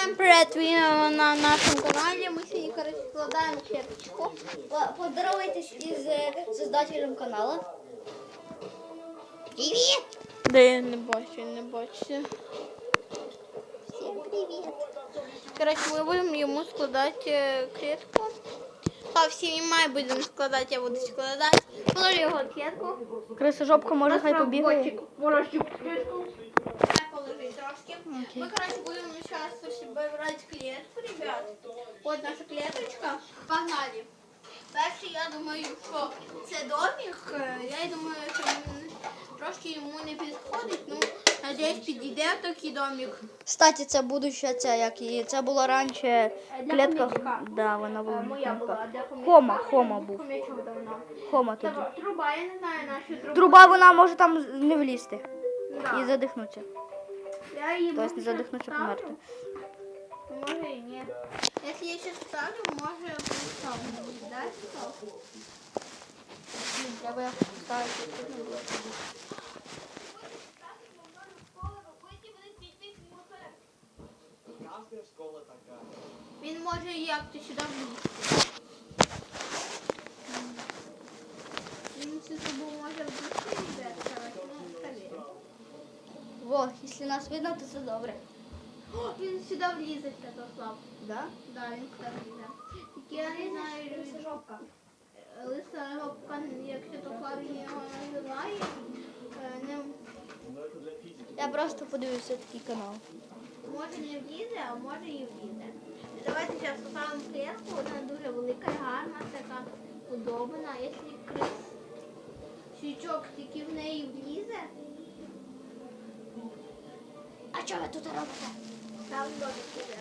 Всем привет, ви на нашому каналі. Ми сьогодні, коротше, складаємо клеточку. Поздоровайтесь із создателем каналу. Привіт! Да я не бачу. Всем привіт! Коротше, ми будемо йому складати клетку. А всі май будемо складати, я буду складати. Положи його клетку. Крисожопка може хай побігає. Положи клетку. Положи трошки. Мы, короче, будем сейчас собирать клетку, ребят. Вот наша клеточка. Погнали. Перший, я думаю, що це домик. Я думаю, що трошки йому не підходить. Ну, надіюсь, підійде такий домик. Кстати, це будуща ця, як її. Це була раніше клітка. Да, вона була. Моя була. Хома був. Хома тоді. Труба, я не знаю, нашу трубу. Труба, вона може там не влізти. Да. І задихнутися. Я її Тобто не задихнутися, померти. Може і ні. Якщо я сейчас ставлю, може поставлю. Да, ставлю? Треба ставити. Він може як-то сюди влізти. Він сюди може влізти, ребят, короче, ну, скажи. Во, якщо нас видно, то це добре. О, він сюди влізе, Святослав. Да? Да, він сюди влізе. Тільки я не знаю, Крисожопка. лиса жопка, як Святослав його називає, не... Я просто подивився такий канал. Може не влізе, а може і влізе. Давайте зараз поставимо клетку, вона дуже велика і гарна, така удобна. Якщо свічок тільки в неї влізе. А що ви тут робите? Там домик іде.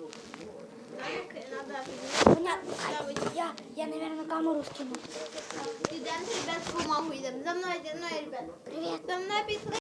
Домик треба Я, наверное, камеру скину. Йдемо, ребят, в бумагу йдемо. За мною, ребят. Привіт. За мною пішли.